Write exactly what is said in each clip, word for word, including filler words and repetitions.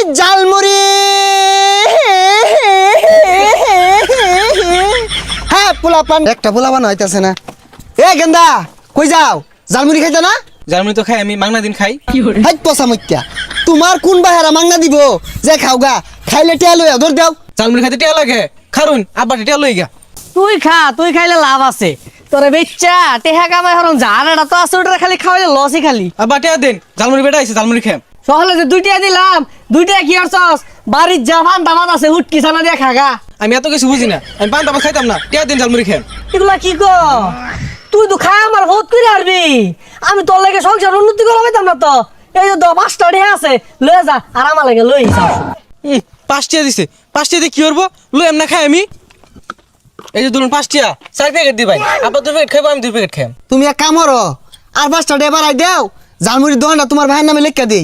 জালমুড়ি হ্যাঁ পোলা পান একটা পোলা বান হইতাছে না। এ গেন্দা কই যাও? জালমুড়ি খাইতে না? জালমুড়ি তো খাই আমি, মাংনা দিন খাই। হাই পচা মইত্যা, তোমার কোন বাহারা মাংনা দিব যে খাওগা? খাইলে টিয়া লইয়া ধর দাও। জালমুড়ি খাইতে টিয়া লাগে, খারুন আব্বা টিয়া লই গা। তুই খা, তুই খাইলে লাভ আছে তোরে বেচ্চা টেহা কামাই হরন জানাটা তো আছে, ওটা খালি খাওয়াইলে লসই খালি। আব্বা টিয়া দেন, জালমুড়ি বেটা আইছে, জালমুড়ি খাম। সহলে যে দুইটা দিলাম, দুইটা কি করছস? বাড়ির যা ফান্তা মাছ আছে হুটকি ছানা দিয়ে খাগা। আমি এত কিছু বুঝি না, আমি পান তাবা খাইতাম না, টিয়া দিন জালমুড়ি খাম। এগুলা কি কো? তুই তো খাই আমার বহুত করে হারবি, আমি তোর লাগে সংসার উন্নতি করা পাইতাম না তো। এই যে দশ পাঁচটা ঢে আছে লয়ে যা, আর আমার লাগে লই যাও। হুম, পাঁচ টিয়া দিছে, পাঁচ টিয়া দিয়ে কি করবো? লই এমনা খাই আমি। এই যে ধরুন পাঁচ টিয়া, চার প্যাকেট দি ভাই। আব্বা দুই প্যাকেট খাইবো, আমি দুই প্যাকেট খাম। তুমি এক কাম করো, আর পাঁচটা ডে বাড়াই দাও, জালমুড়ির দোকানটা তোমার ভাইয়ের নামে লেখা দেই।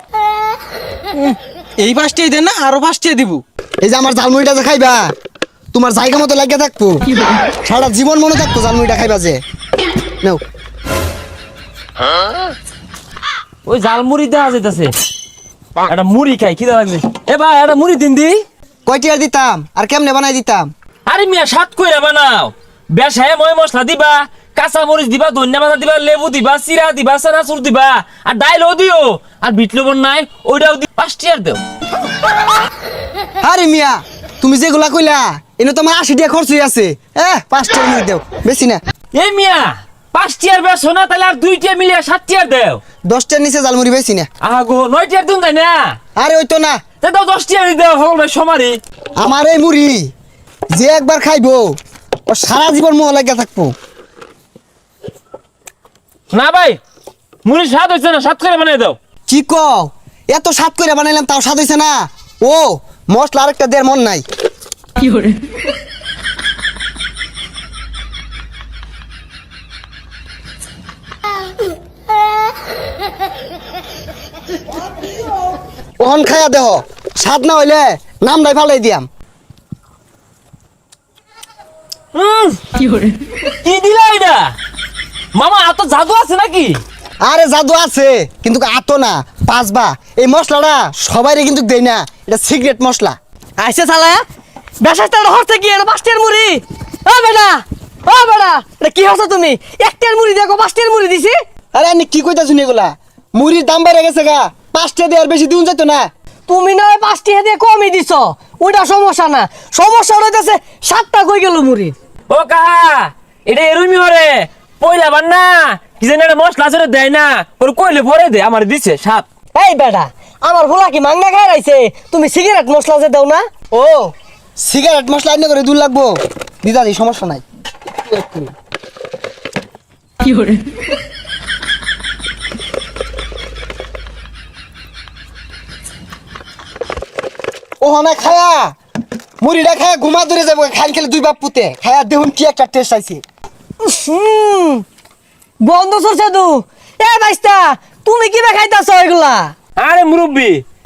এই পাঁচ টিয়া দেন না, আরো পাঁচ টিয়া দিব। এই যে আমার জালমুড়িটা যে খাইবা, তোমার জায়গা মতো লাগিয়ে থাকবো, সারা জীবন মনে থাকবো জালমুড়িটা খাইবা যে। নাও ওই জাল মুড়ি দেওয়া যেতেছে, একটা মুড়ি খাই খিদা লাগছে। এ ভাই একটা মুড়ি দিন দি। কয়টি আর দিতাম আর কেমনে বানাই দিতাম? আরে মিয়া সাত কইরা বানাও, বেশায় ময় মশলা দিবা, কাঁচা মরিচ দিবা, ধনিয়া পাতা দিবা, লেবু দিবা, চিরা দিবা, চানাচুর দিবা, আর ডাইলও দিও, আর বিট লবণ নাই ওইটাও দি। পাঁচটি আর দেও। আরে মিয়া তুমি যেগুলা কইলা এনে তোমার আশি টাকা খরচ হয়ে আছে। এ পাঁচটা মিনিট দেও, বেশি না। এই মিয়া পাঁচটি আর বেশো না, তাহলে আর দুইটা মিলিয়ে সাতটি আর দেও। দশটার নিচে জালমুড়ি বেশি না। আগো নয়টি আর দিন তাই না? আরে ওই তো না, তা দাও দশটি আর দেও, হল ভাই সমারি। আমার এই মুড়ি যে একবার খাইবো ও সারা জীবন মোহ লাগিয়া থাকবো। না ভাই মুড়ি স্বাদ হয়েছে না, সাত করে বানিয়ে দাও। কি কও? এত স্বাদ করে বানাইলাম তাও স্বাদ হইছে না? ও মশলা আরেকটা দেড় মন নাই। ওহন খায়া দেহ, স্বাদ না হইলে নাম নাই ফালাই দিয়াম। হুম, কি দিলা এটা? মামা এত জাদু আছে নাকি? আরে জাদু আছে কিন্তু আতো না, পাঁচবা। এই মশলাটা সবাইরে কিন্তু দেই না, এটা সিক্রেট মশলা। আইসে শালা বেশাটা হরতে কি এটা পাঁচটার মুড়ি? ও বেটা, ও বেটা, এটা কি হচ্ছে তুমি? একটার মুড়ি দেখো পাঁচটার মুড়ি দিছি। আরে আমি কি কইতা শুনি এগুলা? মুড়ির দাম বেড়ে গেছে গা, পাঁচটা দিয়ে আর বেশি দিন যেত না। তুমি না ওই পাঁচটি দিয়ে কমই দিছ, ওইটা সমস্যা না। সমস্যা হইতেছে সাতটা কই গেল মুড়ি। ও কাহা এটা এরুমি হরে পয়লা বান না কি জানি একটা মশলা চড়ে দেয় না, ওর কইলে ভরে দে, আমার দিছে সাত। এই বেটা, আমার ভোলা কি মাংনা খাই রাইছে? তুমি সিগারেট মশলা যে দাও না? ও সিগারেট মশলা আইনে করে দূর লাগবো, দিদা দি সমস্যা নাই। ও না খায়া মুড়িটা খায়া ঘুমা ধরে যাবো, খাইল খেলে দুই বাপ পুতে খায়া দেখুন কি একটা টেস্ট আইছে। হুম, বন্ধ সরছে তু। এ ভাইস্তা, তুমি কি খাইতাছ এগুলা? আরে মুরব্বি